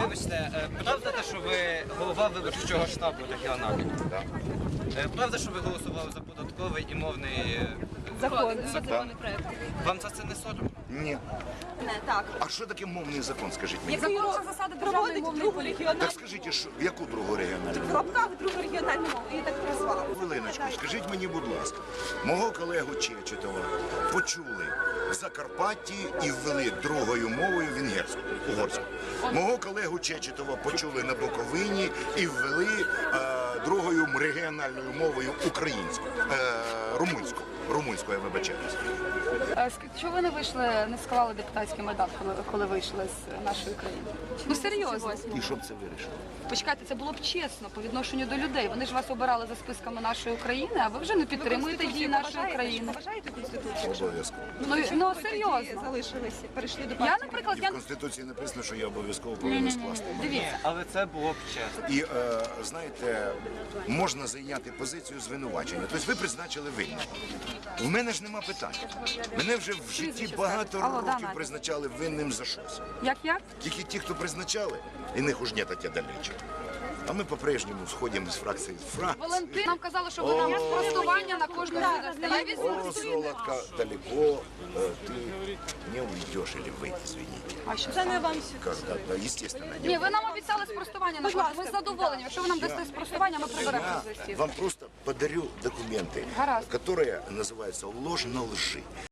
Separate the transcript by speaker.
Speaker 1: Вибачте, правда те, що ви голова виборчого штабу регіонального?
Speaker 2: Так.
Speaker 1: Правда, що ви голосували за податковий і мовний
Speaker 3: Закон.
Speaker 1: Вам за це не соромно?
Speaker 2: Ні.
Speaker 3: Не, так.
Speaker 2: А що таке мовний закон, скажіть мені?
Speaker 3: Закон про засади державної
Speaker 2: Так
Speaker 3: мовної політики.
Speaker 2: скажіть, що, яку другу регіональну?
Speaker 3: В лапках другу регіональну мову. І так назвали.
Speaker 2: Хвилиночку, скажіть мені, будь ласка, мого колегу Чечетова почули в Закарпатті і ввели другою мовою венгерську, угорську. Мого колегу Чечетова почули на Буковині і ввели другою регіональною мовою українську, румунську. Румунську, я вибачаюся.
Speaker 4: Чого ви не вийшли, не склали депутатський мандат, коли вийшли з нашої країни? Ну серйозно.
Speaker 2: І що б це вирішило?
Speaker 4: Почекайте, це було б чесно по відношенню до людей. Вони ж вас обирали за списками нашої країни, а ви вже не підтримуєте дії нашої країни.
Speaker 3: Поважаєте Конституцію?
Speaker 2: Обов'язково.
Speaker 4: Ну серйозно.
Speaker 3: Залишилися, перейшли до
Speaker 4: Я,
Speaker 3: партії.
Speaker 4: наприклад,
Speaker 2: І в Конституції написано, що я обов'язково повинен скласти.
Speaker 4: дивіться.
Speaker 1: Але це було б чесно.
Speaker 2: І, знаєте, можна зайняти позицію звинувачення. Тобто ви призначили винним. В мене ж нема питань. Мене вже в житті багато
Speaker 4: Алло, да,
Speaker 2: років
Speaker 4: Надя.
Speaker 2: призначали винним за щось.
Speaker 4: Як?
Speaker 2: Тільки ті, хто призначали, і них уж нет тя далече. А ми по-прежнему сходимо з фракції в фракцію.
Speaker 4: Валентин нам казали, що ви нам спростування на кожну видасте. Я візьму.
Speaker 2: О, Золотка, далеко ты не уйдешь или выйти, извините.
Speaker 4: А що
Speaker 3: Це не вам
Speaker 2: Когда, да, естественно, не
Speaker 4: Ні, ви нам обіцяли спростування на кожну. Ми задоволені. Якщо ви нам дасте спростування, ми приберемо з
Speaker 2: Я
Speaker 4: листів.
Speaker 2: вам просто подарю документы,
Speaker 4: Гаразд.
Speaker 2: которые называются «Ложь на лжи».